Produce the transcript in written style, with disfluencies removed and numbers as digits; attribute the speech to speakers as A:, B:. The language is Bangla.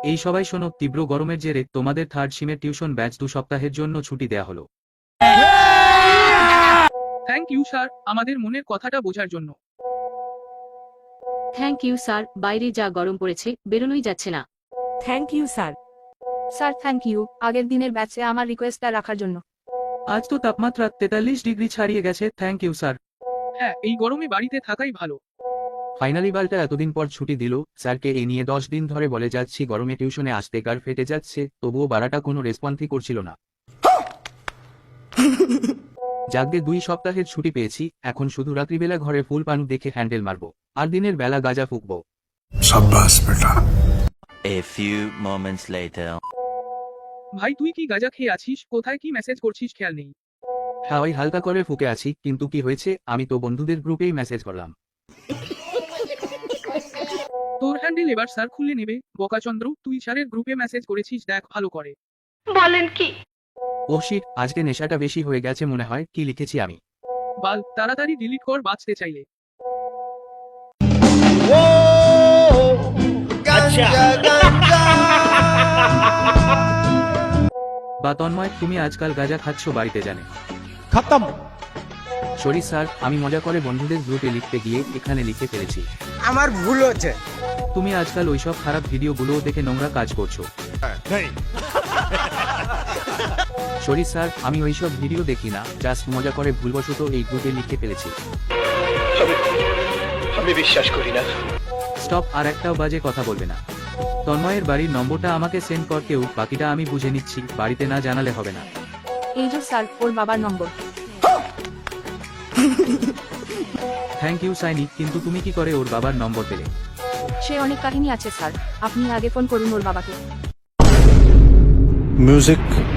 A: এই সবাই শোনো, তীব্র গরমের জেরে তোমাদের থার্ড সিমের টিউশন ব্যাচ 2 সপ্তাহের জন্য ছুটি দেয়া হলো।
B: থ্যাংক ইউ স্যার, আমাদের মনের কথাটা বোঝার জন্য।
C: থ্যাংক ইউ স্যার, বাইরে যা গরম পড়েছে বেরোনোই যাচ্ছে না।
D: Thank you sir.
E: Sir thank you আগের দিনের ব্যাচে আমার রিকোয়েস্টটা রাখার জন্য।
A: আজ তো তাপমাত্রা 43 ডিগ্রি ছাড়িয়ে গেছে। Thank you sir.
B: হ্যাঁ, এই গরমে বাড়িতে থাকাই ভালো।
A: ফাইনালি বালটা এতদিন পর ছুটি দিল। স্যারকে এই নিয়ে 10 দিন ধরে বলে যাচ্ছি গরমে টিউশনে আসতে গার ফেটে যাচ্ছে, তবুও বাড়াটা কোনো রেসপন্সই করছিল না। যাকে 2 সপ্তাহের ছুটি পেয়েছি, এখন শুধু রাত্রিবেলা ঘরে ফুল পানু দেখে হ্যান্ডেল মারবো, আর দিনের বেলা গাঁজা ফুকবো।
F: शाबाश बेटा।
G: A few moments later.
B: ভাই তুই কি গাঁজা খেয়ে আছিস? কোথায় কি মেসেজ করছিস খেয়াল নেই।
A: হ্যাঁ, ওই হালকা করে ফুকে আছি, কিন্তু কি হয়েছে, আমি তো বন্ধুদের গ্রুপেই মেসেজ করলাম।
B: তোর হ্যান্ডেল এবার স্যার খুলে নেবে। বকাচন্দ্র, তুই স্যারের গ্রুপে মেসেজ করেছিস, দেখ ভালো করে।
A: ও শিট, আজকে নেশাটা বেশি হয়ে গেছে মনে হয়। কি লিখেছি আমি?
B: বাল, তাড়াতাড়ি ডিলিট কর বাঁচতে চাইলে।
A: বা তন্ময়, তুমি আজকাল গাঁজা খাচ্ছ বাড়িতে জানে?
F: खत्म।
A: সরি স্যার, আমি মজা করে বন্ধুদের গ্রুপে লিখতে গিয়ে এখানে লিখে ফেলেছি।
H: আমার ভুল হচ্ছে।
A: তুমি আজকাল ওইসব খারাপ ভিডিওগুলো দেখে নোংরা কাজ করছো। সরি স্যার, আমি ওইসব ভিডিও দেখি না, জাস্ট মজা করে ভুলবশত এই গ্রুপে লিখে ফেলেছি।
H: আমি বিশ্বাস করি না।
A: স্টপ, আর একটাও বাজে কথা বলবে না। তন্ময়ের বাড়ির নম্বরটা আমাকে সেন্ড কর কেউ, বাকিটা আমি বুঝে নিচ্ছি, বাড়িতে না জানালে হবে না।
E: এই যে স্যার ওর বাবার নম্বর।
A: থ্যাংক ইউ সাইনি, কিন্তু তুমি কি করে ওর বাবার নম্বর পেলে?
E: সে অনেক কাহিনী আছে স্যার, আপনি আগে ফোন করুন ওর বাবাকে।
F: म्यूजिक